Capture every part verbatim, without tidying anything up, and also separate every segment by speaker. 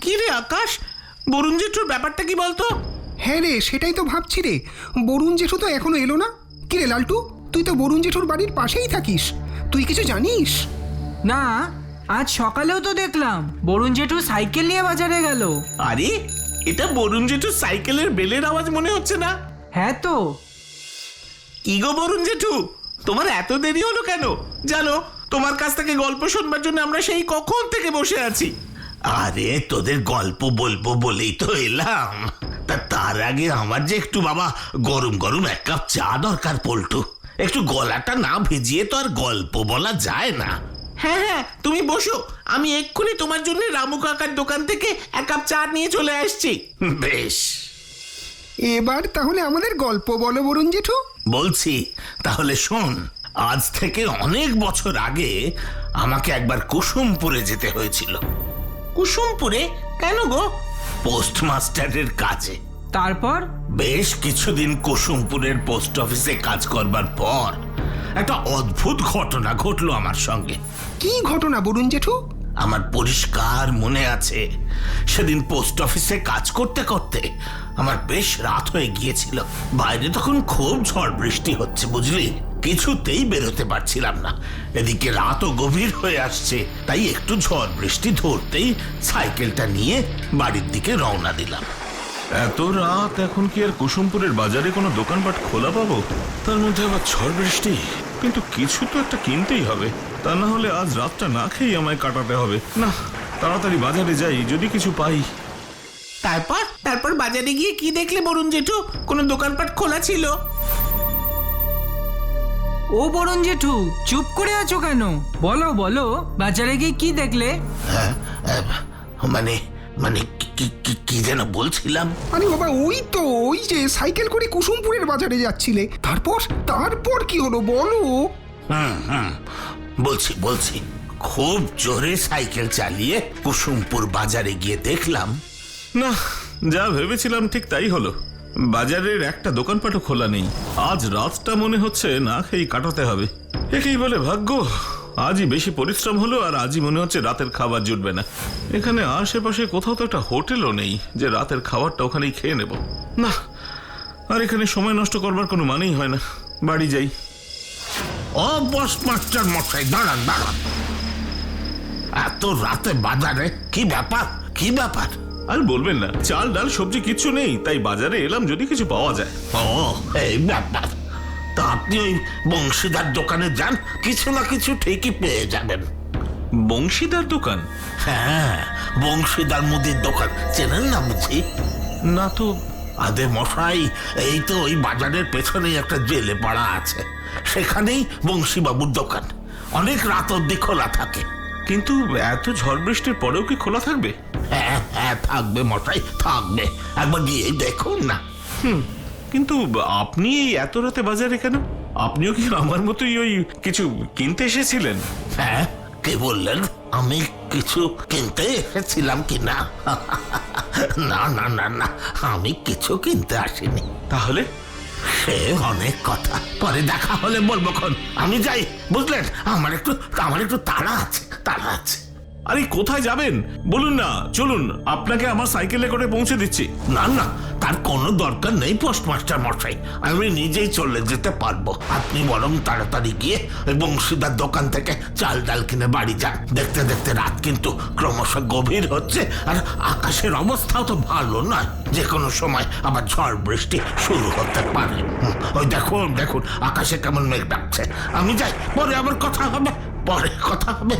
Speaker 1: কি রে আকাশ, বরুণ জেঠুর ব্যাপারটা কি বলতো?
Speaker 2: হ্যাঁ রে, সেটাই তো ভাবছি রে। বরুণ জেঠু তো এখনো এলো না। কি রে লালটু, তুই তো বরুণ জেঠুর বাড়ির পাশেই থাকিস, তুই কিছু জানিস?
Speaker 3: না, আজ সকালেও তো দেখলাম বরুণ জেঠু সাইকেল নিয়ে বাজারে গেল।
Speaker 1: আরে, এটা বরুণ জেঠুর সাইকেলের বেলের আওয়াজ মনে হচ্ছে না?
Speaker 3: হ্যাঁ তো।
Speaker 1: কি গো বরুণ জেঠু, তোমার এত দেরি হলো কেন? জানো, তোমার কাছ থেকে গল্প শুনবার জন্য আমরা সেই কখন থেকে বসে আছি।
Speaker 4: আরে তোদের গল্প বলবো বলেই তো এলাম। তা তার আগে আমার যে একটু বাবা গরম গরম এক কাপ চা দরকার পল্টু। একটু গলাটা না ভিজিয়ে তো আর গল্প বলা যায় না।
Speaker 1: হ্যাঁ হ্যাঁ, তুমি বসো, আমি এক্ষুনি তোমার জন্য রামু কাকার দোকান থেকে এক কাপ চা নিয়ে চলে আসছি।
Speaker 4: বেশ,
Speaker 2: এবার তাহলে আমাদের গল্প বলো বরুণ জেঠু।
Speaker 4: বলছি তাহলে শোন। আজ থেকে অনেক বছর আগে আমাকে একবার কুসুমপুরে যেতে হয়েছিল।
Speaker 1: কুসুমপুরে? কেন গো?
Speaker 4: পোস্টমাস্টারের কাজে।
Speaker 3: তারপর?
Speaker 4: বেশ কিছুদিন কুসুমপুরের পোস্ট অফিসে কাজ করবার পর একটা অদ্ভুত ঘটনা ঘটলো আমার সঙ্গে।
Speaker 2: কি ঘটনা বরুণ জেঠু?
Speaker 4: আমার পরিষ্কার মনে আছে, সেদিন পোস্ট অফিসে কাজ করতে করতে আমার বেশ রাত হয়ে গিয়েছিল। বাইরে তখন খুব ঝড় বৃষ্টি হচ্ছে বুঝলি, কিছুতেই বেরোতে পারছিলাম না। এদিকে রাতও গভীর হয়ে আসছে, তাই একটু ঝড় বৃষ্টি ধরতেই সাইকেলটা নিয়ে বাড়ির দিকে রওনা দিলাম।
Speaker 5: এত রাত এখন কি আর কুসুমপুরের বাজারে কোনো দোকানপাট খোলা পাবো? তার মধ্যে আবার ঝড় বৃষ্টি। কিন্তু কিছু তো একটা কিনতেই হবে, তা না হলে আজ রাতটা না খেয়ে আমায় কাটাতে হবে। না, তাড়াতাড়ি বাজারে যাই, যদি কিছু পাই।
Speaker 1: তারপর তারপর বাজারে গিয়ে কি দেখলে বরুণ জেঠু? কোনো দোকানপাট খোলা ছিল?
Speaker 3: ও বরুণ জেঠু, চুপ করে আছো কেন? বলো বলো, বাজারে গিয়ে কি দেখলে?
Speaker 4: হ্যাঁ, মানে মানে কি কি- কি যেন বলছিলাম।
Speaker 2: আরে বাবা, ওই তো ওই যে সাইকেল করে কুসুমপুরের বাজারে যাচ্ছিলে, তারপর তারপর কি হলো বলো?
Speaker 4: হুম হুম বলছি বলছি খুব জোরে সাইকেল চালিয়ে কুসুমপুর বাজারে গিয়ে দেখলাম।
Speaker 5: না, যা ভেবেছিলাম ঠিক তাই হলো। বাজারের একটা দোকানপাটও খোলা নেই। আজ রাতটা মনে হচ্ছে না খেয়ে কাটাতে হবে। একেই বলে ভাগ্য। আজই বেশি পরিশ্রম হলো, আর আজই মনে হচ্ছে রাতের খাবার জুটবে না। এখানে আশেপাশে কোথাও তো একটা হোটেলও নেই যে রাতের খাবারটা ওখানেই খেয়ে নেব। না, আর এখানে সময় নষ্ট করবার কোনো মানেই হয় না। বাড়ি যাই।
Speaker 4: ও পোস্টমাস্টার মশাই, দাঁড়ান দাঁড়ান, এত রাতে বাজারে কি ব্যাপার? কি ব্যাপার?
Speaker 5: আর বলবেন না, চাল ডাল সবজি কিচ্ছু নেই, তাই বাজারে এলাম যদি কিছু পাওয়া যায়।
Speaker 4: ও এই ব্যাপার। তা আপনি ওই বংশীদার দোকানে যান, কিছু না কিছু ঠিকই পেয়ে যাবেন।
Speaker 5: বংশীদার দোকান?
Speaker 4: হ্যাঁ, বংশীদার মুদির দোকান চেনেন না বুঝি?
Speaker 5: না তো।
Speaker 4: আদে মশাই, এই তো ওই বাজারের পেছনেই একটা জেলে পাড়া আছে, সেখানেই বংশীবাবুর দোকান। অনেক রাত অব্দি খোলা থাকে।
Speaker 5: কিন্তু এত ঝড় বৃষ্টির পরেও কি খোলা থাকবে?
Speaker 4: হ্যাঁ হ্যাঁ, থাকবে মশাই, থাকবে। একবার গিয়ে দেখুন না।
Speaker 5: হুম, কিন্তু আপনি এই এত রাতে বাজারে কেন? আপনিও কি আমার মতোই ওই কিছু কিনতে এসেছিলেন?
Speaker 4: হ্যাঁ, কে বললেন আমি কিছু কিনতে এসেছিলাম কি না? না না না না, আমি কিছু কিনতে আসিনি।
Speaker 5: তাহলে?
Speaker 4: সে অনেক কথা, পরে দেখা হলে বলবো খন। আমি যাই, বুঝলেন, আমার একটু আমার একটু তাড়া আছে, তাড়া আছে।
Speaker 5: আরে কোথায় যাবেন বলুন না, চলুন, আপনাকে আমার সাইকেলে করে পৌঁছে দিচ্ছি।
Speaker 4: না না, তার কোনো দরকার নেই পোস্টমাস্টার মশাই, আমি নিজেই চলে যেতে পারবো। আপনি বরং তাড়াতাড়ি গিয়ে ওই বংশীদার দোকান থেকে চাল ডাল কিনে বাড়ি যান। দেখতে দেখতে রাত কিন্তু ক্রমশ গভীর হচ্ছে, আর আকাশের অবস্থাও তো ভালো নয়, যে কোনো সময় আবার ঝড় বৃষ্টি শুরু হতে পারে। হুম, ওই দেখুন দেখুন আকাশে কেমন মেঘ ডাকছে। আমি যাই, পরে আবার কথা হবে, পরে কথা হবে।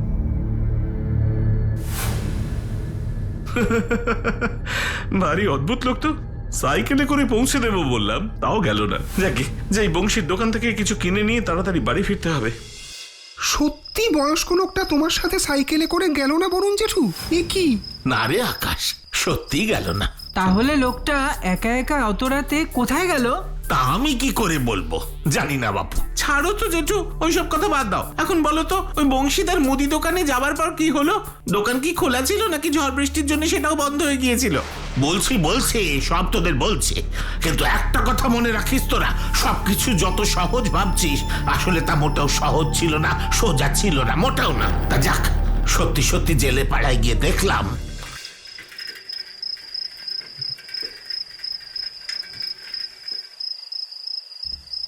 Speaker 5: ভারী অদ্ভুত লোক তো। সাইকেলে করে পৌঁছে দেবো বললাম, তাও গেল না। যাকে যাই, বংশীর দোকান থেকে কিছু কিনে নিয়ে তাড়াতাড়ি বাড়ি ফিরতে হবে।
Speaker 2: সত্যি বয়স্ক লোকটা তোমার সাথে সাইকেলে করে গেল না বরুণ জেঠু? এ কি?
Speaker 4: না রে আকাশ, সত্যি গেল না।
Speaker 3: তাহলে লোকটা একা একা অত রাতে কোথায় গেল?
Speaker 4: তা আমি কি করে বলবো, জানি না বাপু।
Speaker 1: ছাড়ো তো জেঠু, ওইসব কথা বাদ দাও। এখন বলো তো, ওই বংশীদার মুদি দোকানে যাবার পর কি হলো? দোকান কি খোলা ছিল, নাকি ঝড় বৃষ্টির জন্য সেটাও বন্ধ হয়ে গিয়েছিল?
Speaker 4: বলছি বলছি সব তোদের বলছি, কিন্তু একটা কথা মনে রাখিস তোরা, সবকিছু যত সহজ ভাবছিস আসলে তা মোটেও সহজ ছিল না, সোজা ছিল না, মোটেও না। তা যাক, সত্যি সত্যি জেলে পাড়ায় গিয়ে দেখলাম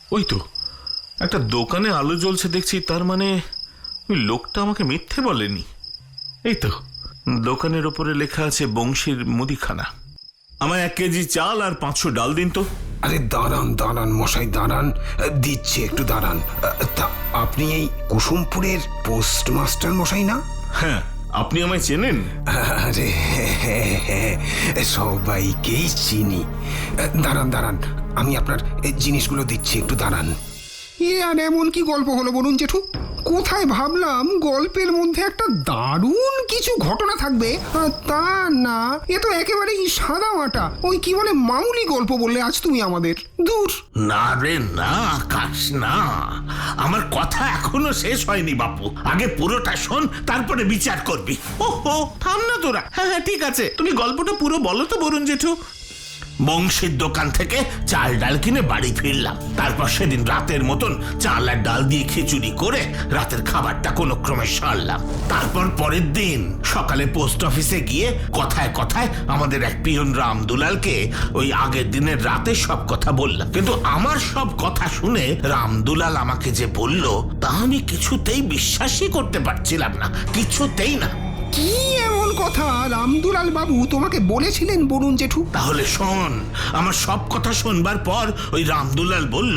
Speaker 5: ওই তো একটা দোকানে আলো জ্বলছে দেখছি, তার মানে ওই লোকটা আমাকে মিথ্যে বলেনি। এই তো দোকানের ওপরে লেখা আছে বংশীর মুদিখানা। আমায় এক কেজি চাল আর পাঁচশো ডাল দিন তো।
Speaker 2: আরে দাঁড়ান দাঁড়ান মশাই দাঁড়ান, দিচ্ছে একটু দাঁড়ান। তা আপনি এই কুসুমপুরের পোস্টমাস্টার মশাই না?
Speaker 5: হ্যাঁ, আপনি আমায় চেনেন?
Speaker 2: আরে হ্যাঁ, হ্যাঁ, সবাইকেই চিনি। দাঁড়ান দাঁড়ান, আমি আপনার জিনিসগুলো দিচ্ছি, একটু দাঁড়ান। এ আর এমন কি গল্প হলো বলুন জেঠু? কোথায় ভাবলাম গল্পের মধ্যে একটা দারুণ কিছু ঘটনা থাকবে, আর তা না, এ তো একেবারেই সাদা মাটা ওই কি বলে মামুলি গল্প বললে আজ তুমি আমাদের। দূর।
Speaker 4: না রে না আকাশ, না, আমার কথা এখনো শেষ হয়নি বাপু। আগে পুরোটা শোন, তারপরে বিচার করবি।
Speaker 1: ও হো, থাম না তোরা। হ্যাঁ হ্যাঁ ঠিক আছে, তুমি গল্পটা পুরো বলো তো বরুণ জেঠু।
Speaker 4: বংশীর দোকান থেকে চাল ডাল কিনে বাড়ি ফিরলাম। তারপর সেদিন রাতের মতন চাল আর ডাল দিয়ে খিচুড়ি করে রাতের খাবারটা কোনো ক্রমে সারলাম। তারপর পরের দিন সকালে পোস্ট অফিসে গিয়ে কথায় কথায় আমাদের এক পিয়ন রামদুলালকে ওই আগের দিনের রাতে সব কথা বললাম। কিন্তু আমার সব কথা শুনে রামদুলাল আমাকে যে বলল তা আমি কিছুতেই বিশ্বাসই করতে পারছিলাম না, কিছুতেই না।
Speaker 2: কি এমন কথা রামদুলাল বাবু তোমাকে বলেছিলেন বরুণ জেঠু?
Speaker 4: তাহলে শোন, আমার সব কথা শুনবার পর ওই রামদুলাল বলল,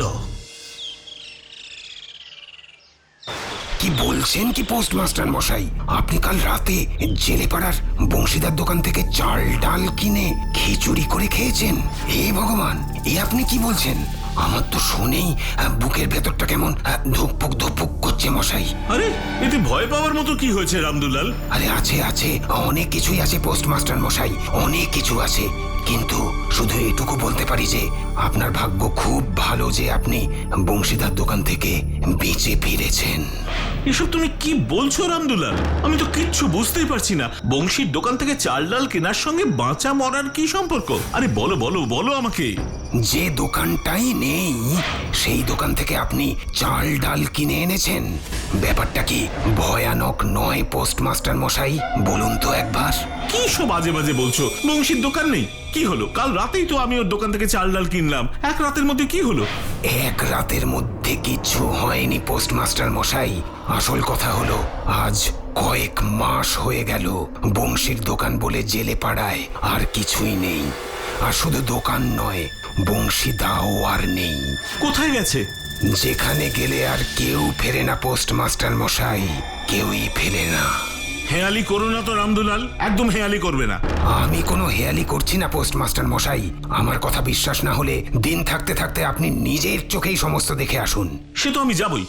Speaker 2: কি বলছেন কি পোস্টমাস্টার মশাই, আপনি কাল রাতে জেলেপাড়ার বংশীদার দোকান থেকে চাল ডাল কিনে খিচুড়ি করে খেয়েছেন? হে ভগবান, এ আপনি কি বলছেন? আমার তো শুনেই বুকের ভেতরটা কেমন ধুকপুক ধুকপুক করছে মশাই।
Speaker 5: আরে এতে ভয় পাওয়ার মতো কি হয়েছে রামদুলাল?
Speaker 2: আরে আছে আছে, অনেক কিছুই আছে পোস্টমাস্টার মশাই, অনেক কিছু আছে। কিন্তু শুধু এটুকু বলতে পারি যে আপনার ভাগ্য খুব ভালো যে আপনি বংশীদার দোকান থেকে বেঁচে ফিরেছেন।
Speaker 5: এসব তুমি কি বলছো রামদুলাল? আমি তো কিচ্ছু বুঝতেই পারছি না। বংশীর দোকান থেকে চাল ডাল কেনার সঙ্গে বাঁচা মরার কি সম্পর্ক? আরে বলো বলো বলো আমাকে।
Speaker 2: যে দোকানটাই নেই সেই দোকান থেকে আপনি চাল ডাল কিনে এনেছেন। ব্যাপারটা কি ভয়ানক নয় পোস্টমাস্টার মশাই? বলুন তো একবার।
Speaker 5: কি সব বাজে বাজে বলছো? বংশীর দোকান নেই? কি হলো? কাল রাতেই তো আমি ওর দোকান থেকে চাল ডাল কিনলাম। এক রাতের মধ্যে কি হলো?
Speaker 2: এক রাতের মধ্যে কিছু হয়নি পোস্টমাস্টার মশাই। আসল কথা হলো আজ কয়েক মাস হয়ে গেল বংশীর দোকান বলে জেলে পাড়ায় আর কিছুই নেই। আর শুধু দোকান নয়, বংশী দাও আর নেই।
Speaker 5: কোথায় গেছে?
Speaker 2: যেখানে গেলে আর কেউ ফেরে না পোস্টমাস্টার মশাই, কেউই ফেরে না।
Speaker 5: হেয়ালি করো না তো রামদুলাল, একদম হেয়ালি করবে না।
Speaker 2: আমি কোনো হেয়ালি করছি না পোস্টমাস্টার মশাই। আমার কথা বিশ্বাস না হলে দিন থাকতে থাকতে আপনি নিজের চোখেই সমস্ত দেখে আসুন।
Speaker 5: সে তো আমি যাবই।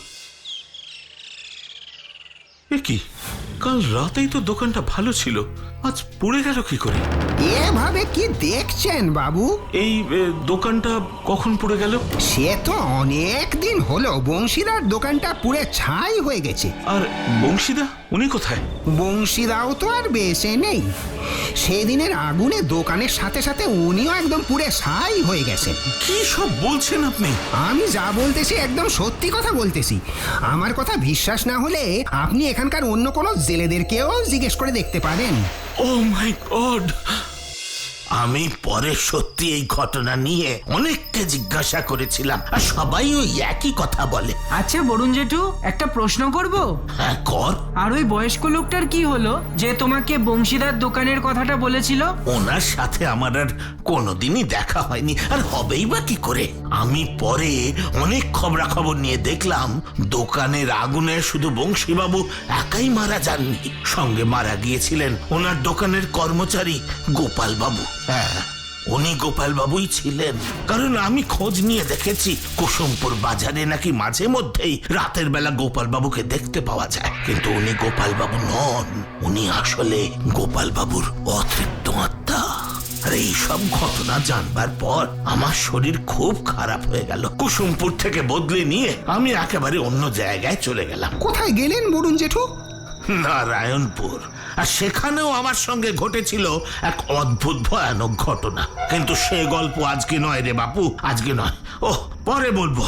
Speaker 5: এ কি, কাল রাতেই তো দোকানটা ভালো ছিল, আজ পড়ে গেল কি করে?
Speaker 2: এভাবে কি দেখছেন বাবু?
Speaker 5: এই এ, দোকানটা কখন পড়ে গেল?
Speaker 2: সে তো অনেক দিন হলো বংশীদার দোকানটা পুড়ে ছাই হয়ে গেছে।
Speaker 5: আর বংশীদা উনি কোথায়?
Speaker 2: বংশীদাও তো আর বেঁচে নেই। সেদিনের আগুনে দোকানের সাথে সাথে উনিও একদম পুড়ে ছাই হয়ে গেছেন।
Speaker 5: কি সব বলছেন আপনি?
Speaker 2: আমি যা বলতেছি একদম সত্যি কথা বলতেছি। আমার কথা বিশ্বাস না হলে আপনি এখানকার অন্য কোনো জেলেদেরকেও জিজ্ঞেস করে দেখতে পারেন।
Speaker 5: Oh my god!
Speaker 4: আমি পরে সত্যি এই ঘটনা নিয়ে অনেককে জিজ্ঞাসা করেছিলাম, আর সবাই ওই একই কথা বলে।
Speaker 3: আচ্ছা বরুণ জেঠু, একটা প্রশ্ন করব?
Speaker 4: হ্যাঁ কর।
Speaker 3: আর ওই বয়স্ক লোকটার কি হলো যে তোমাকে বংশীদার দোকানের কথাটা বলেছিল?
Speaker 4: ওনার সাথে আমার আর কোনোদিনই দেখা হয়নি, আর হবেই বা কি করে। আমি পরে অনেক খবরাখবর নিয়ে দেখলাম দোকানের আগুনে শুধু বংশীবাবু একাই মারা যাননি, সঙ্গে মারা গিয়েছিলেন ওনার দোকানের কর্মচারী গোপাল বাবু। হ্যাঁ, উনি গোপাল বাবুই ছিলেন। কারণ আমি খোঁজ নিয়ে দেখেছি কুসুমপুর বাজারে নাকি মাঝে মধ্যেই রাতের বেলা গোপাল বাবুকে দেখতে পাওয়া যায়, কিন্তু উনি গোপাল বাবু নন, উনি আসলে গোপাল বাবুর অতৃপ্ত আত্মা। আর এই সব ঘটনা জানবার পর আমার শরীর খুব খারাপ হয়ে গেল। কুসুমপুর থেকে বদলে নিয়ে আমি একেবারে অন্য জায়গায় চলে গেলাম।
Speaker 2: কোথায় গেলেন বরুণ জেঠু?
Speaker 4: নারায়ণপুর। আর সেখানেও আমার সঙ্গে ঘটেছিল এক অদ্ভুত ভয়ানক ঘটনা, কিন্তু সে গল্প আজকে নয় রে বাপু, আজকে নয়, ও পরে বলবো।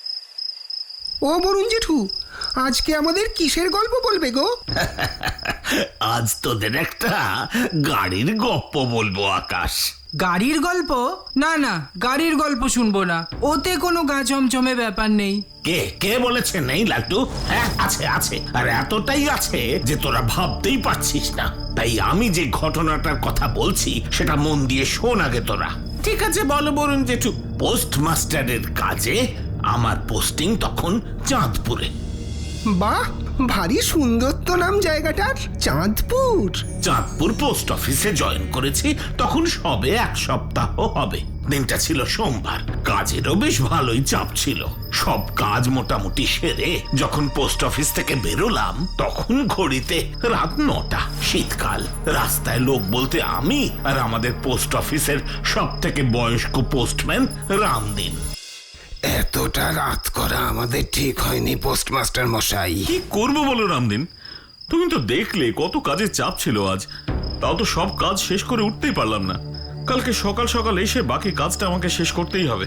Speaker 2: ও বরুণ জেঠু, আজকে আমাদের কিসের গল্প বলবে গো?
Speaker 4: আজ তোদের একটা গাড়ির গপ্প বলবো আকাশ।
Speaker 3: গাড়ির গল্প? না না, গাড়ির গল্প শুনবো না, ওতে কোনো গা চমচমে ব্যাপার নেই।
Speaker 4: কে কে বলেছে নেই লাট্টু? হ্যাঁ আছে আছে, আর এতটাই আছে যে তোরা ভাবতেই পারছিস না। তাই আমি যে ঘটনাটার কথা বলছি সেটা মন দিয়ে শোন আগে তোরা।
Speaker 1: ঠিক আছে বলো বরুণ জেঠু।
Speaker 4: পোস্টমাস্টারের কাজে আমার পোস্টিং তখন চাঁদপুরে।
Speaker 2: বাহ, ভারী সুন্দর তো নাম জায়গাটার, চাঁদপুর।
Speaker 4: চাঁদপুর পোস্ট অফিসে জয়েন করেছি তখন সবে এক সপ্তাহ হবে। দিনটা ছিল সোমবার, কাজেরও বেশ ভালোই চাপ ছিল। সব কাজ মোটামুটি সেরে যখন পোস্ট অফিস থেকে বেরোলাম তখন ঘড়িতে রাত নটা। শীতকাল, রাস্তায় লোক বলতে আমি আর আমাদের পোস্ট অফিসের সব থেকে বয়স্ক পোস্টম্যান রামদিন।
Speaker 2: এতটা রাত করা আমাদের ঠিক হয়নি পোস্টমাস্টার মশাই।
Speaker 5: কি করবো বলো রামদিন, তুমি তো দেখলে কত কাজের চাপ ছিল আজ, তাও তো সব কাজ শেষ করে উঠতেই পারলাম না। কালকে সকাল সকাল এসে বাকি কাজটা আমাকে শেষ করতেই হবে।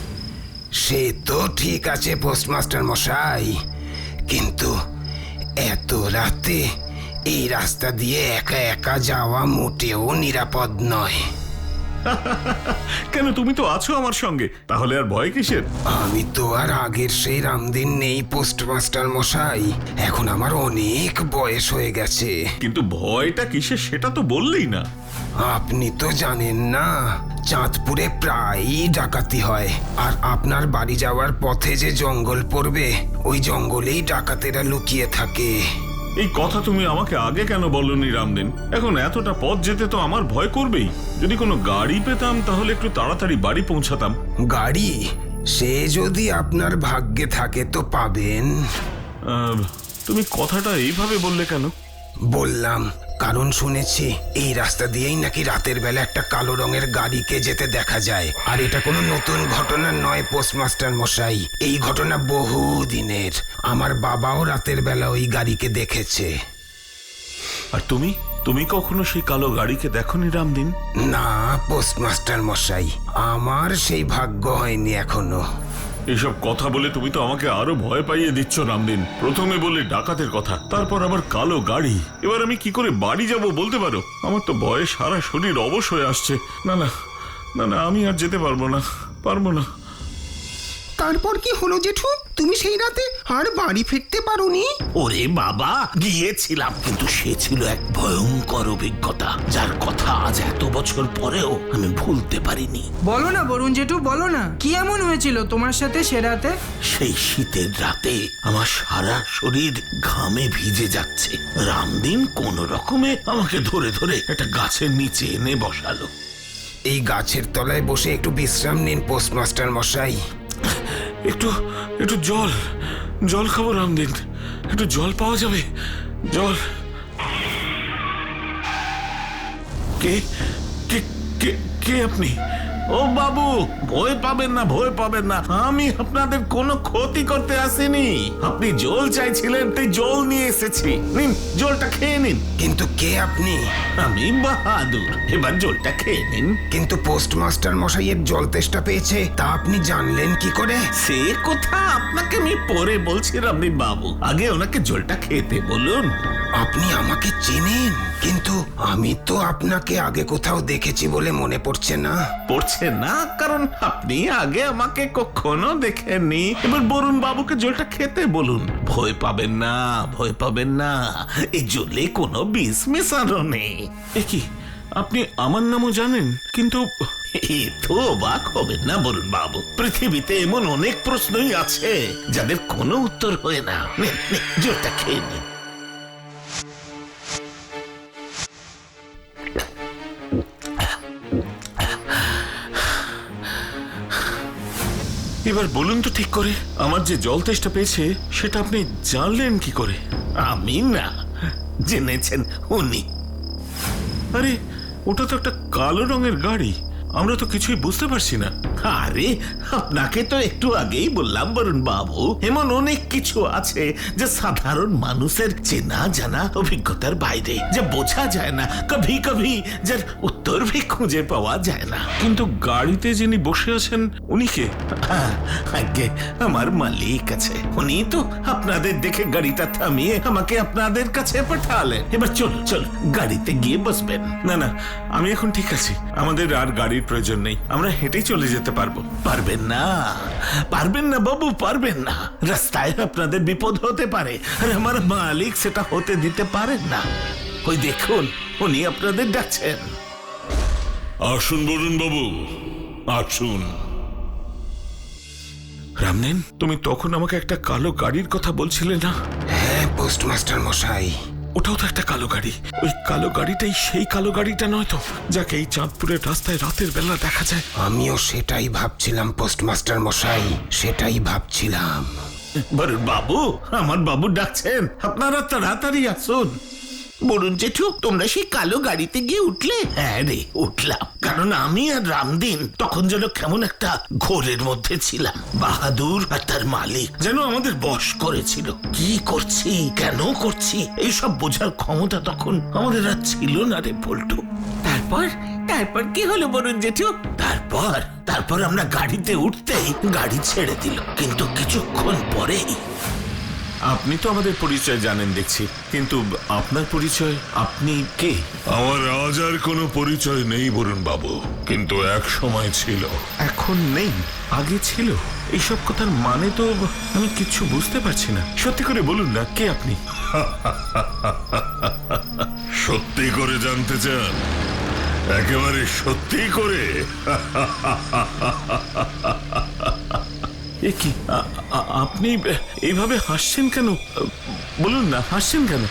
Speaker 2: সে তো ঠিক আছে পোস্টমাস্টার মশাই, কিন্তু এত রাতে এই রাস্তা দিয়ে একা একা যাওয়া মোটেও নিরাপদ নয়।
Speaker 5: কেন, তুমি তো আছো আমার সঙ্গে, তাহলে আর ভয় কিসের?
Speaker 2: আমি তো আর আগের সেই রামদিন নেই পোস্টমাস্টার মশাই, এখন আমার অনেক বয়স হয়ে গেছে।
Speaker 5: কিন্তু ভয়টা কিসের সেটা তো বললেই না।
Speaker 2: আপনি তো জানেন না, চাঁদপুরে প্রায়ই ডাকাতি হয়, আর আপনার বাড়ি যাওয়ার পথে যে জঙ্গল পড়বে ওই জঙ্গলেই ডাকাতেরা লুকিয়ে থাকে।
Speaker 5: এই কথা তুমি আমাকে আগে কেন বলনি রামদিন? এখন এতটা পথ যেতে তো আমার ভয় করবেই। যদি কোনো গাড়ি পেতাম তাহলে একটু তাড়াতাড়ি বাড়ি পৌঁছাতাম।
Speaker 2: গাড়ি? সে যদি আপনার ভাগ্যে থাকে তো পাবেন।
Speaker 5: আহ, তুমি কথাটা এইভাবে বললে কেন?
Speaker 2: বললাম কারণ শুনেছি এই রাস্তা দিয়েই নাকি রাতের বেলা একটা কালো রঙের গাড়িকে যেতে দেখা যায়। আর এটা কোনো নতুন ঘটনা নয় পোস্টমাস্টার মশাই, এই ঘটনা বহু দিনের। আমার বাবাও রাতের বেলা ওই গাড়িকে দেখেছে।
Speaker 5: আর তুমি তুমি কখনো সেই কালো গাড়িকে দেখোনি রামদিন?
Speaker 2: না পোস্টমাস্টার মশাই, আমার সেই ভাগ্য হয়নি এখনো।
Speaker 5: এসব কথা বলে তুমি তো আমাকে আরো ভয় পাইয়ে দিচ্ছ রামদিন। প্রথমে বলে ডাকাতের কথা, তারপর আবার কালো গাড়ি। এবার আমি কি করে বাড়ি যাব বলতে পারো? আমার তো ভয়ে সারা শরীর অবশ হয়ে আসছে। না না না না, আমি আর যেতে পারবো না, পারবো না।
Speaker 2: তারপর কি হলো জেঠু? তুমি সেই রাতে আর বাড়ি ফিরতে পারোনি?
Speaker 4: ওরে বাবা, গিয়েছিলাম, কিন্তু সে ছিল এক ভয়ঙ্কর অভিজ্ঞতা যার কথা আজ এত বছর পরেও আমি ভুলতে পারিনি।
Speaker 3: বলো না বরুণ জেঠু, বলো না, কি এমন হয়েছিল তোমার সাথে সে রাতে?
Speaker 4: সেই শীতের রাতে আমার সারা শরীর ঘামে ভিজে যাচ্ছে। রামদিন কোন রকমে আমাকে ধরে ধরে একটা গাছের নিচে এনে বসালো।
Speaker 2: এই গাছের তলায় বসে একটু বিশ্রাম নিন পোস্টমাস্টার মশাই।
Speaker 5: একটু একটু জল জল খাবো রামদিন, একটু জল পাওয়া যাবে? জল? কে কে কে কে আপনি?
Speaker 1: ও বাবু, ভয় পাবেন না, ভয় পাবেন না, আমি আপনাদের কোনো ক্ষতি করতে আসিনি। আপনি জল চাইছিলেন তাই জল নিয়ে এসেছি, নিন জলটা খেয়ে নিন।
Speaker 2: কিন্তু কে আপনি?
Speaker 1: আমি বাহাদুর, এবার জলটা খেয়ে নিন।
Speaker 2: কিন্তু পোস্টমাস্টার মশাইয়ের জল তেষ্টা পেয়েছে, তা আপনি জানলেন কি করে?
Speaker 1: সে কথা আপনাকে আমি পরে বলছি রামদিন বাবু, আগে ওনাকে জলটা খেতে বলুন।
Speaker 2: আপনি আমাকে চেনেন? কিন্তু আমি তো আপনাকে আগে কোথাও দেখেছি বলে মনে পড়ছে না।
Speaker 1: পড়ছে না কারণ আপনি আগে আমাকে কখনো দেখেননি। এবার বরুণ বাবুকে জলটা খেতে বলুন। ভয় পাবেন না, ভয় পাবেন না, এই জলে কোনো বিষ মেশানো নেই।
Speaker 5: এ কি, আপনি আমার নামও জানেন? কিন্তু
Speaker 1: এ তো অবাক হবেন না বরুণ বাবু, পৃথিবীতে এমন অনেক প্রশ্নই আছে যাদের কোনো উত্তর হয় না। নিন, নিন, জলটা খেয়ে নিন।
Speaker 5: এবার বলুন তো ঠিক করে, আমার যে জল তেষ্টা পেয়েছে সেটা আপনি জানলেন কি করে?
Speaker 1: আমি না, জেনেছেন উনি।
Speaker 5: আরে ওটা তো একটা কালো রঙের গাড়ি, আমরা তো কিছুই বুঝতে পারছি না।
Speaker 1: আরে আপনাকে তো একটু আগেই বললাম বরুণ বাবু, এমন অনেক কিছু আছে যে সাধারণ মানুষের চেনা জানা অভিজ্ঞতার বাইরে, যে বোঝা যায় না, কভি কভি যার উত্তর ভি খুঁজে পাওয়া যায় না।
Speaker 5: কিন্তু গাড়িতে যিনি বসে আছেন উনি কে?
Speaker 1: হ্যাঁ, আগে আমার মালিক আছে, উনি তো আপনাদের দেখে গাড়িটা থামিয়ে আমাকে আপনাদের কাছে পাঠালেন। এবার চল চল গাড়িতে গিয়ে বসবেন।
Speaker 5: না না, আমি এখন ঠিক আছি, আমাদের আর গাড়ির প্রয়োজন নেই, আমরা হেঁটেই চলে যেতে পারবো।
Speaker 1: পারবেন না, পারবেন না বাবু, পারবেন না। রাস্তায় আপনাদের বিপদ হতে পারে, আর আমার মালিক সেটা হতে দিতে পারেন না। ওই দেখুন, উনি আপনাদের ডাকছেন।
Speaker 5: আসুন বরুণ বাবু, আসুন। রামনেন, তুমি তখন আমাকে একটা কালো গাড়ির কথা বলছিলে না?
Speaker 2: হ্যাঁ পোস্টমাস্টার মশাই,
Speaker 5: ওটাও তো একটা কালো গাড়ি। ওই কালো গাড়িটাই সেই কালো গাড়িটা নয় তো, যাকে এই চাঁদপুরের রাস্তায় রাতের বেলা দেখা যায়?
Speaker 2: আমিও সেটাই ভাবছিলাম পোস্টমাস্টার মশাই, সেটাই ভাবছিলাম।
Speaker 1: বরুণ বাবু, আমার বাবু ডাকছেন, আপনারা তাড়াতাড়ি আসুন। বরুণ জেঠু, তোমরা সেই কালো গাড়িতে গিয়ে উঠলে? হ্যাঁ রে, উঠলাম। কারণ আমি আর রামদিন তখন যেন কেমন একটা ঘোরের মধ্যে ছিলাম। বাহাদুর আর তার মালিক যেন আমাদের বশ করেছিল। কি করছি, কেন করছি, এইসব বোঝার ক্ষমতা তখন আমাদের আর ছিল না রে পল্টু। তারপর তারপর কি হলো বরুণ জেঠু? তারপর তারপর আমরা গাড়িতে উঠতেই গাড়ি ছেড়ে দিল, কিন্তু কিছুক্ষণ পরেই।
Speaker 5: আপনি তো আমাদের পরিচয় জানেন দেখছি, কিন্তু আপনার পরিচয়, আপনি কে?
Speaker 6: আমার আজ আর কোনো পরিচয় নেই বরুণ বাবু, কিন্তু এক সময় ছিল।
Speaker 5: এখন নেই, আগে ছিল। এইসব কথার মানে তো আমি কিচ্ছু বুঝতে পারছি না। সত্যি করে বলুন না, কে আপনি?
Speaker 6: সত্যি করে জানতে চান? একেবারে সত্যি করে?
Speaker 5: এ কি, আ- আ- আপনি এইভাবে হাসছেন কেন? বলুন না, হাসছেন কেন?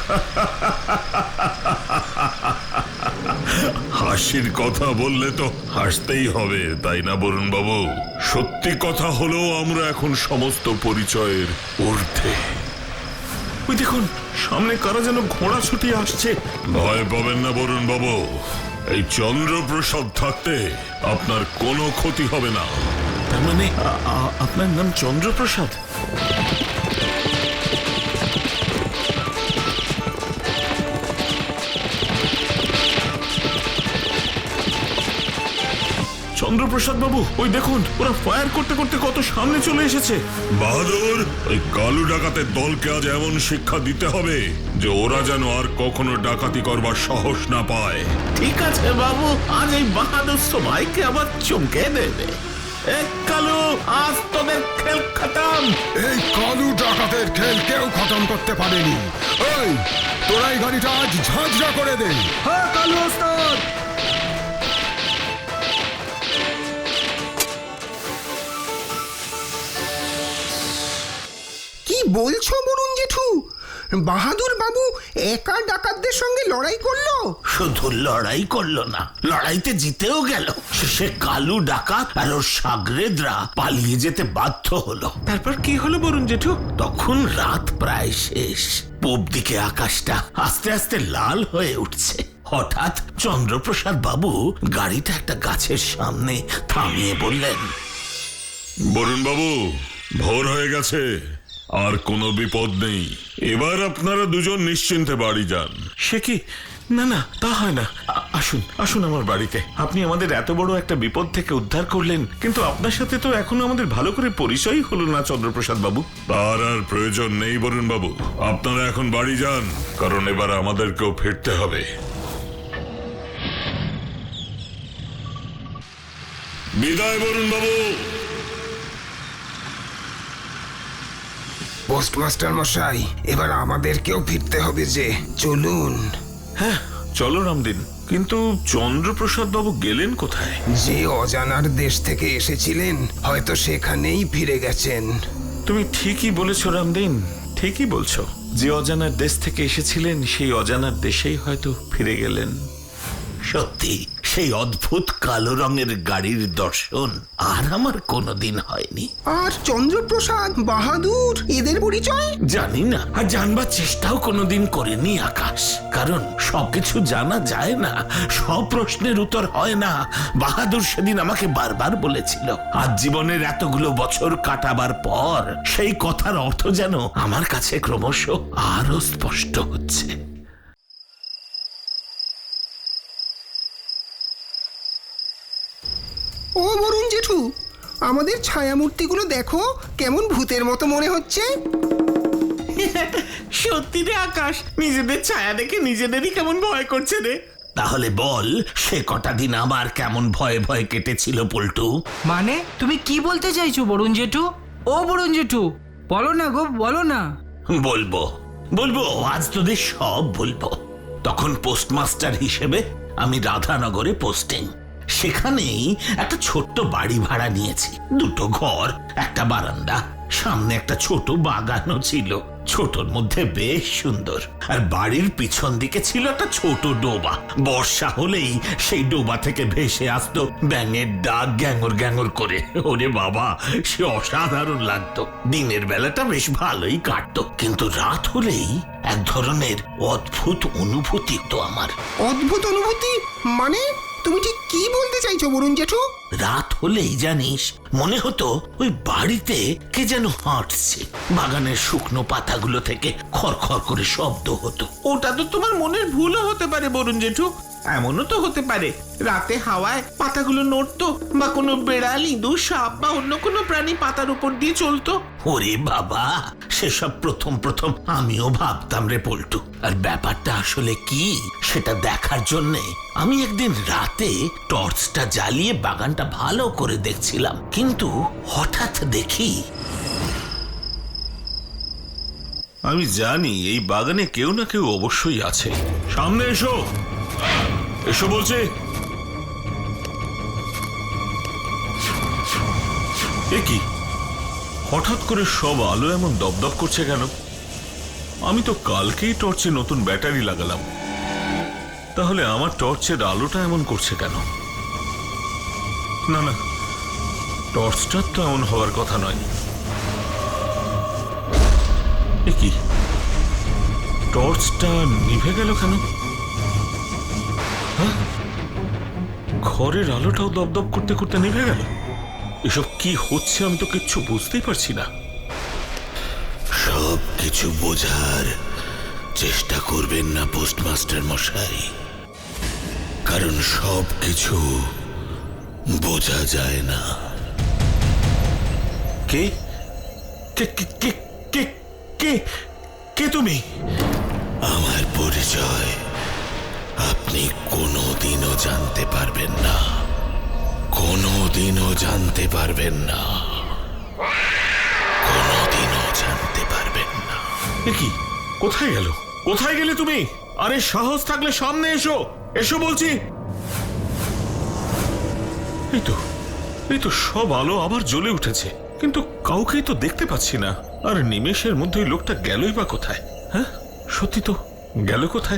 Speaker 6: হাসির কথা বললে তো হাসতেই হবে, তাই না বরুণ বাবু? সত্যি কথা হলো আমরা এখন সমস্ত পরিচয়ের ঊর্ধ্বে।
Speaker 5: ওই দেখুন, সামনে কারা যেন ঘোড়া ছুটিয়ে আসছে।
Speaker 6: ভয় পাবেন না বরুণ বাবু, এই চন্দ্রপ্রসাদ থাকতে আপনার কোনো ক্ষতি হবে না।
Speaker 5: তার মানে আ- আ- আপনার নাম চন্দ্রপ্রসাদ? চন্দ্রপ্রসাদ বাবু, ওই দেখুন, ওরা ফায়ার করতে করতে কত সামনে চলে এসেছে।
Speaker 6: বাহাদুর, ওই কালু ডাকাতের দলকে আজ এমন শিক্ষা দিতে হবে যে ওরা যেন আর কখনো ডাকাতি করবার সাহস না পায়।
Speaker 1: ঠিক আছে বাবু, আজ এই বাহাদুর সবাইকে আবার চমকে দেবে। এক কালু, আজ তোদের খেল খতম।
Speaker 2: এই কালু ডাকাতের খেল কেউ খতম করতে পারেনি। এই তোরাই গাড়িটা আজ ঝাঁঝরা করে দে। হ্যাঁ কালু ওস্তাদ। কি বলছো বরুণ জেঠু? বাহাদুর বাবু একা ডাকাতদের সঙ্গে লড়াই করলো?
Speaker 1: শুধু লড়াই করলো না, লড়াইতে জিতেও গেল। শেষে কালু ডাকাত আর ওর সাগরেদরা পালিয়ে যেতে বাধ্য হলো।
Speaker 5: তারপর কি হলো বরুণ জেঠু?
Speaker 1: তখন রাত প্রায় শেষ, পূব দিকে আকাশটা আস্তে আস্তে লাল হয়ে উঠছে। হঠাৎ চন্দ্রপ্রসাদ বাবু গাড়িটা একটা গাছের সামনে থামিয়ে বললেন,
Speaker 6: বরুণ বাবু, ভোর হয়ে গেছে, আর কোনো বিপদ নেই। এবার আপনারা দুজন নিশ্চিন্তে বাড়ি যান।
Speaker 5: সে কি? না না, তা হয় না। আ- আসুন আসুন আমার বাড়িতে। আপনি আমাদের এত বড় একটা বিপদ থেকে উদ্ধার করলেন, কিন্তু আপনার সাথে তো এখনো আমাদের ভালো করে পরিচয়ই হলো না চন্দ্রপ্রসাদ বাবু।
Speaker 6: তার আর প্রয়োজন নেই বরুণ বাবু, আপনারা এখন বাড়ি যান, কারণ এবার আমাদেরকেও ফিরতে হবে। বিদায় বরুণ বাবু।
Speaker 2: পোস্টমাস্টার মশাই, এবার আমাদেরকেও ফিরতে হবে যে, চলুন।
Speaker 5: হ্যাঁ চলো রামদিন, কিন্তু চন্দ্রপ্রসাদ বাবু গেলেন কোথায়?
Speaker 2: যে অজানার দেশ থেকে এসেছিলেন, হয়তো সেখানেই ফিরে গেছেন।
Speaker 5: তুমি ঠিকই বলেছো রামদিন, ঠিকই বলছো। যে অজানার দেশ থেকে এসেছিলেন সেই অজানার দেশেই হয়তো ফিরে গেলেন।
Speaker 1: সত্যি
Speaker 4: সেই অদ্ভুত কালো রঙের গাড়ির দর্শন আর আমার কোনোদিন হয়নি।
Speaker 2: আর চন্দ্রপ্রসাদ, বাহাদুর এদের পরিচয়?
Speaker 4: জানি না, আর জানবার চেষ্টাও কোনোদিন করিনি আকাশ। কারণ সবকিছু জানা যায় না, সব প্রশ্নের উত্তর হয় না। বাহাদুর সেদিন আমাকে বারবার বলেছিল। আজ জীবনের এতগুলো বছর কাটাবার পর সেই কথার অর্থ যেন আমার কাছে ক্রমশ আরো স্পষ্ট হচ্ছে।
Speaker 2: ও বরুণ জেঠু, আমাদের ছায়ামূর্তিগুলো দেখো কেমন ভূতের মতো মনে হচ্ছে।
Speaker 1: সত্যি রে আকাশ, নিজেদের ছায়া দেখে নিজেদেরই কেমন ভয় করছে রে।
Speaker 4: তাহলে বল, সে কটা দিন আবার কেমন ভয়ে ভয়ে কেটেছিল পল্টু?
Speaker 3: মানে তুমি কি বলতে চাইছো বরুণ জেঠু? ও বরুণ জেঠু, বলো না গো, বলো না।
Speaker 4: বলবো বলবো আজ তোদের সব বলবো। তখন পোস্টমাস্টার হিসেবে আমি রাধানগরে পোস্টিং। সেখানেই একটা ছোট্ট বাড়ি ভাড়া নিয়েছি। দুটো ঘর, একটা বারান্দা, সামনে একটা ছোট বাগানও ছিল। ছোটর মধ্যে বেশ সুন্দর। আর বাড়ির পিছন দিকে ছিল একটা ছোট ডোবা। বর্ষা হলেই সেই ডোবা থেকে ভেসে আসতো ব্যাঙের ডাক গ্যাঙর গ্যাঙর করে। ওরে বাবা, সে অসাধারণ লাগতো। দিনের বেলাটা বেশ ভালোই কাটতো, কিন্তু রাত হলেই এক ধরনের অদ্ভুত অনুভূতি তো আমার।
Speaker 2: অদ্ভুত অনুভূতি মানে? তুমি ঠিক কি বলতে চাইছো বরুণ জেঠু?
Speaker 4: রাত হলেই জানিস, মনে হতো ওই বাড়িতে কে যেন হাঁটছে। বাগানের শুকনো পাতাগুলো থেকে খড়খড় করে শব্দ হতো।
Speaker 1: ওটা তো তোমার মনের ভুলও হতে পারে বরুণ জেঠু। এমনও তো হতে পারে রাতে হাওয়ায় পাতাগুলো নড়তো, বা কোনো বেড়াল, ইঁদুর, সাপ বা অন্য কোনো প্রাণী পাতার উপর দিয়ে চলতো।
Speaker 4: ওরে বাবা, সেসব প্রথম প্রথম আমিও ভাবতাম রে পল্টু। আর ব্যাপারটা আসলে কি সেটা দেখার জন্যে আমি একদিন রাতে টর্চটা জ্বালিয়ে বাগানটা ভালো করে দেখছিলাম। কিন্তু হঠাৎ দেখি
Speaker 5: আমি জানি এই বাগানে কেউ না কেউ অবশ্যই আছে। সামনে এসো, এসো বলছে। এ কি, হঠাৎ করে সব আলো এমন দপদপ করছে কেন? আমি তো কালকেই টর্চে নতুন ব্যাটারি লাগালাম, তাহলে আমার টর্চের আলোটা এমন করছে কেন? না না, টর্চটার তো এমন হওয়ার কথা নয়। এ কি, টর্চটা নিভে গেল কেন? হ্যাঁ, ঘরের আলোটাও দপদপ করতে করতে নিভে গেল। এসব কি হচ্ছে আমি তো কিচ্ছু বুঝতেই পারছি না।
Speaker 4: সব কিছু বোঝার চেষ্টা করবেন না পোস্টমাস্টার মশাই, কারণ সব কিছু বোঝা যায় না।
Speaker 5: কে কে কে কে কে কে কে তুমি?
Speaker 4: আমার পরিচয় আপনি কোনোদিনও জানতে পারবেন না, কোনোদিনও জানতে পারবেন না, কোনোদিনও জানতে পারবেন না।
Speaker 5: এ কি, কোথায় গেল? কোথায় গেলে তুমি? আরে সাহস থাকলে সামনে এসো, এসো বলছি। এই তো, এই তো সব আলো আবার জ্বলে উঠেছে, কিন্তু কাউকেই তো দেখতে পাচ্ছি না। আর নিমেষের মধ্যে ওই লোকটা গেলই বা কোথায়? হ্যাঁ, সত্যি তো, গেল কোথায়?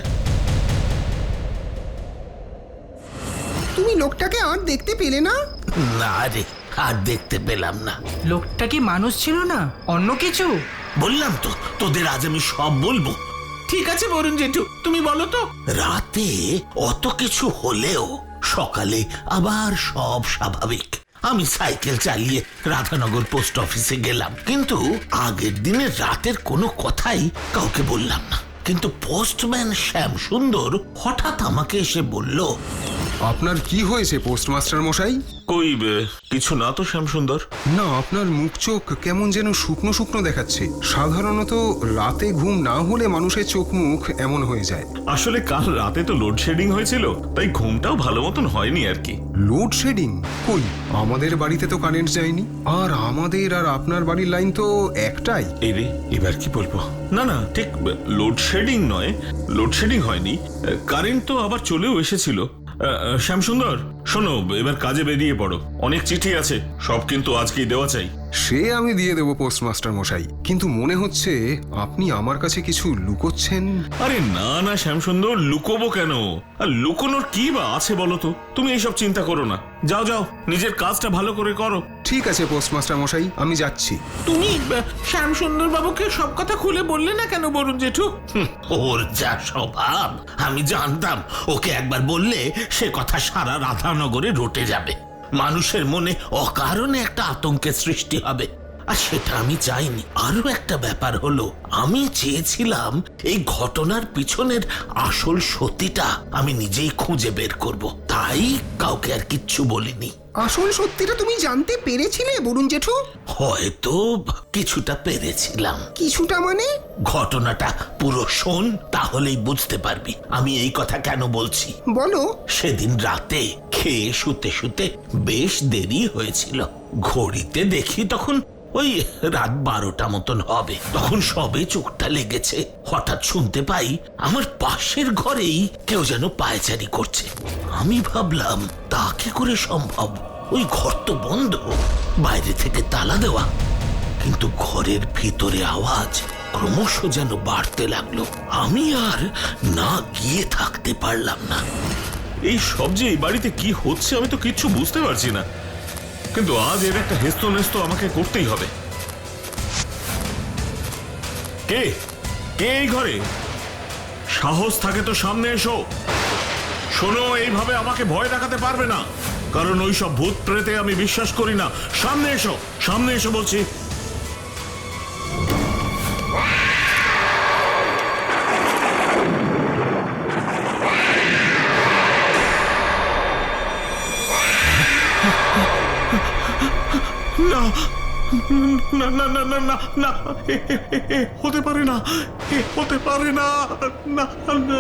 Speaker 2: তুমি লোকটাকে আর দেখতে পেলে না?
Speaker 4: না রে, আর দেখতে পেলাম না।
Speaker 3: লোকটা কি মানুষ ছিল না, অন্য কিছু?
Speaker 4: বললাম তো, তোদের আজ আমি সব বলবো।
Speaker 1: ঠিক আছে বরুণ জেঠু, তুমি বলো তো।
Speaker 4: রাতে অত কিছু হলেও সকালে আবার সব স্বাভাবিক। আমি সাইকেল চালিয়ে রাধানগর পোস্ট অফিসে গেলাম, কিন্তু আগের দিনের রাতের কোনো কথাই কাউকে বললাম না। কিন্তু পোস্টম্যান শ্যাম সুন্দর হঠাৎ আমাকে এসে বলল,
Speaker 2: আপনার কি হয়েছে পোস্টমাস্টার মশাই?
Speaker 5: কই বে, কিছু না তো শ্যামসুন্দর।
Speaker 2: না, আপনার মুখ চোখ কেমন যেন শুকনো শুকনো দেখাচ্ছে। সাধারণত রাতে ঘুম না হলে মানুষের চোখ মুখ এমন হয়ে যায়।
Speaker 5: আসলে কাল রাতে তো লোডশেডিং হয়েছিল, তাই ঘুমটাও ভালো মতন হয়নি আর কি।
Speaker 2: লোডশেডিং? কই, আমাদের বাড়িতে তো কারেন্ট যায়নি। আর আমাদের আর আপনার বাড়ির লাইন তো একটাই।
Speaker 5: এই রে, এবার কি বলবো? না না, ঠিক লোডশেডিং নয়, লোডশেডিং হয়নি। কারেন্ট তো আবার চলেও এসেছিল। শ্যামসুন্দর শোনো, এবার কাজে বেরিয়ে পড়ো। অনেক চিঠি আছে, সব কিন্তু আজকেই দেওয়া চাই।
Speaker 2: সে আমি দিয়ে দেবো পোস্টমাস্টার মশাই, কিন্তু মনে হচ্ছে আপনি আমার কাছে কিছু লুকোচ্ছেন।
Speaker 5: আরে না না শ্যামসুন্দর, লুকোবো কেন? আর লুকোনোর কি বা আছে বলো তো? তুমি এইসব চিন্তা করো না, যাও যাও, নিজের কাজটা ভালো করে করো।
Speaker 2: ঠিক আছে পোস্টমাস্টার মশাই, আমি যাচ্ছি।
Speaker 1: তুমি শ্যামসুন্দর বাবুকে সব কথা খুলে বললে না কেন বরুণ জেঠু?
Speaker 4: হুম, ওর যা স্বভাব, আমি জানতাম ওকে একবার বললে সে কথা সারা রাধানগরে রটে যাবে। মানুষের মনে অকারণে একটা আতঙ্কের সৃষ্টি হবে, আর সেটা আমি চাইনি। আরো একটা ব্যাপার হলো, আমি চেয়েছিলাম এই ঘটনার পিছনের আসল সত্যিটা আমি নিজেই খুঁজে বের করব, তাই কাউকে আর কিচ্ছু বলিনি।
Speaker 2: আসল সত্যিটা তুমি জানতে পেরেছিলে বরুণ জেঠু?
Speaker 4: হয়তো কিছুটা পেরেছিলাম।
Speaker 2: কিছুটা মানে?
Speaker 4: ঘটনাটা পুরো শোন, তাহলেই বুঝতে পারবি আমি এই কথা কেন বলছি।
Speaker 2: বলো।
Speaker 4: সেদিন রাতে খেয়ে শুতে শুতে বেশ দেরি হয়েছিল। ঘড়িতে দেখি তখন ওই রাত বারোটা মতন হবে। তখন সবে চোখটা লেগেছে, হঠাৎ শুনতে পাই আমার পাশের ঘরেই কেউ যেন পায়চারি করছে। আমি ভাবলাম তা কি করে সম্ভব, ওই ঘর তো বন্ধ, বাইরে থেকে তালা দেওয়া। কিন্তু ঘরের ভিতরে আওয়াজ ক্রমশ যেন বাড়তে লাগলো। আমি আর না গিয়ে থাকতে পারলাম না।
Speaker 5: এই সব যে এই বাড়িতে কি হচ্ছে আমি তো কিচ্ছু বুঝতে পারছি না, কিন্তু আজ এর একটা হেস্ত নেস্ত আমাকে করতেই হবে। কে কে এই ঘরে? সাহস থাকে তো সামনে এসো। শোনো, এইভাবে আমাকে ভয় দেখাতে পারবে না, কারণ ওই সব ভূত প্রেতে আমি বিশ্বাস করি না। সামনে এসো, সামনে এসো বলছি। না না না না না না না, এ- এ- এ- এ হতে পারে না, এ হতে পারে না, না না।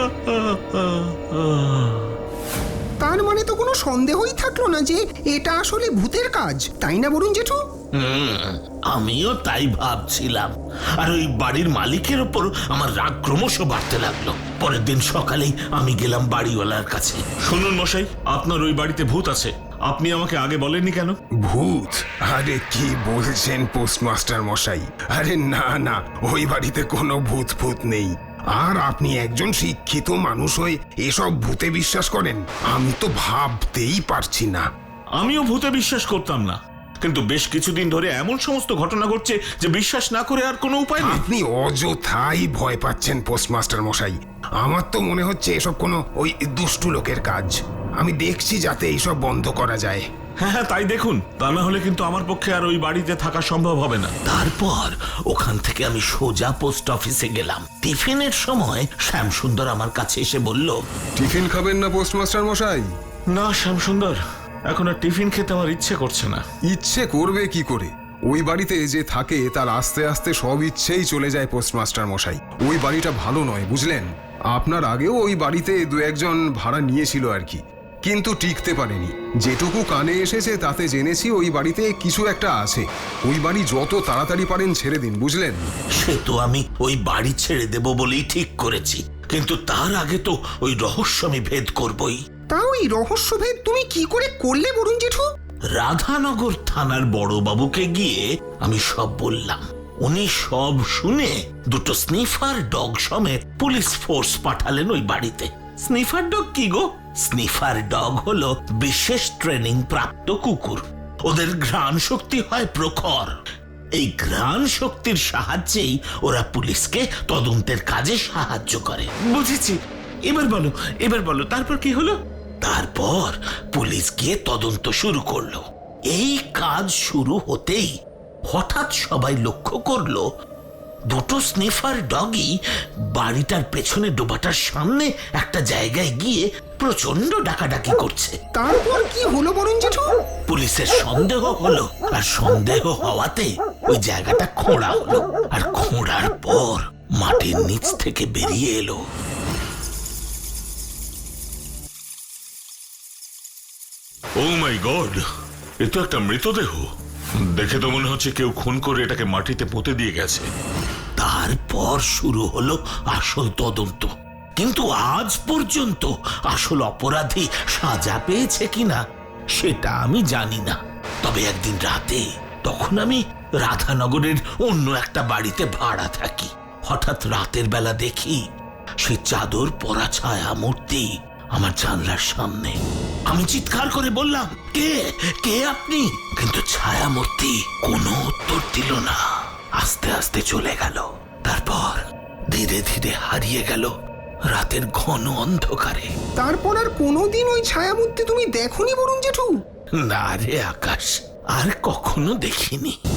Speaker 2: তার মানে তো কোনো সন্দেহই থাকলো না যে এটা আসলে ভূতের কাজ, তাই না বরুণ জেঠু?
Speaker 4: হুম, আমিও তাই ভাবছিলাম। আর ওই বাড়ির মালিকের ওপর আমার রাগ ক্রমশ বাড়তে লাগলো। পরের দিন সকালেই আমি গেলাম বাড়িওয়ালার কাছে।
Speaker 5: শুনুন মশাই, আপনার ওই বাড়িতে ভূত আছে, আপনি আমাকে আগে বলেননি কেন?
Speaker 2: ভূত? আরে কি বলছেন পোস্টমাস্টার মশাই? আরে না না, ওই বাড়িতে কোনো ভূত ভূত নেই। আর আপনি একজন শিক্ষিত মানুষ হয়ে এসব ভূতে বিশ্বাস করেন? আমি তো ভাবতেই পারছি না।
Speaker 5: আমিও ভূতে বিশ্বাস করতাম না, কিন্তু বেশ কিছুদিন ধরে এমন সমস্ত ঘটনা ঘটছে যে বিশ্বাস না করে আর কোনো উপায় নেই।
Speaker 2: আপনি অযথাই ভয় পাচ্ছেন পোস্টমাস্টার মশাই। আমার তো মনে হচ্ছে এসব কোনো ওই দুষ্টু লোকের কাজ। আমি দেখছি যাতে এইসব বন্ধ করা যায়।
Speaker 5: হ্যাঁ হ্যাঁ, তাই দেখুন, তা না হলে কিন্তু আমার পক্ষে আর ওই বাড়িতে থাকা সম্ভব হবে না।
Speaker 4: তারপর ওখান থেকে আমি সোজা পোস্ট অফিসে গেলাম। টিফিনের সময় শ্যামসুন্দর আমার কাছে এসে বলল,
Speaker 2: টিফিন খাবেন না পোস্টমাস্টার মশাই?
Speaker 5: না শ্যামসুন্দর, এখন আর টিফিন খেতে আমার ইচ্ছে করছে না।
Speaker 2: ইচ্ছে করবে কি করে? ওই বাড়িতে যে থাকে তার আস্তে আস্তে সব ইচ্ছেই চলে যায় পোস্টমাস্টার মশাই। ওই বাড়িটা ভালো নয়, বুঝলেন? আপনার আগেও ওই বাড়িতে দু একজন ভাড়া নিয়েছিল আর কি, কিন্তু টিকতে পারেনি। যেটুকু কানে এসেছে তাতে জেনেছি ওই বাড়িতে কিছু একটা আছে। ওই বাড়ি যত তাড়াতাড়ি পারেন ছেড়ে দিন, বুঝলেন?
Speaker 4: সে তো আমি ওই বাড়ি ছেড়ে দেব বলেই ঠিক করেছি, কিন্তু তার আগে তো ওই রহস্য আমি ভেদ করবই।
Speaker 2: তা ওই রহস্যভেদ তুমি কি করে করলে বরুণ জেঠু?
Speaker 4: রাধানগর থানার বড়বাবুকে গিয়ে আমি সব বললাম। উনি সব শুনে দুটো স্নিফার ডগ সমেত পুলিশ ফোর্স পাঠালেন ওই বাড়িতে।
Speaker 1: স্নিফার ডগ কি গো?
Speaker 4: স্নিফার ডগ হলো বিশেষ ট্রেনিং প্রাপ্ত কুকুর। ওদের ঘ্রাণ শক্তি হয় প্রখর। এই ঘ্রাণ শক্তির সাহায্যেই ওরা পুলিশকে তদন্তের কাজে সাহায্য করে।
Speaker 1: বুঝেছি, এবার বলো, এবার বলো, তারপর কি হলো?
Speaker 4: তারপর পুলিশ গিয়ে তদন্ত শুরু করলো। এই কাজ শুরু হতেই হঠাৎ সবাই লক্ষ্য করলো দুটো স্নিফার ডগই বাড়িটার পেছনে ডোবাটার সামনে একটা জায়গায় গিয়ে প্রচন্ড ডাকাডাকি করছে।
Speaker 2: তারপর কি হলো বরুণ জেঠু?
Speaker 4: পুলিশের সন্দেহ হলো, আর সন্দেহ হওয়াতে ওই জায়গাটা খোঁড়া হলো। আর খোঁড়ার পর মাটির নিচ থেকে বেরিয়ে এলো
Speaker 6: ও মাই গড, এ তো একটা মৃতদেহ। দেখে তো মনে হচ্ছে কেউ খুন করে এটাকে মাটিতে পুঁতে দিয়ে গেছে।
Speaker 4: তারপর শুরু হলো আসল তদন্ত।
Speaker 1: কিন্তু আজ পর্যন্ত আসল অপরাধী সাজা পেয়েছে কিনা সেটা আমি জানি না। তবে একদিন রাতে, তখন আমি রাধানগরের অন্য একটা বাড়িতে ভাড়া থাকি, হঠাৎ রাতের বেলা দেখি সে চাদর পরা ছায়া মূর্তি আমার জানলার সামনে। আমি চিৎকার করে বললাম, কে কে আপনি? কিন্তু ছায়া মূর্তি কোনো উত্তর দিল না, আস্তে আস্তে চলে গেল। তারপর ধীরে ধীরে হারিয়ে গেল রাতের ঘন অন্ধকারে।
Speaker 2: তারপর আর কোনোদিন ওই ছায়ামূর্তি তুমি দেখোনি বরুণ জেঠু?
Speaker 1: না রে আকাশ, আর কখনো দেখিনি।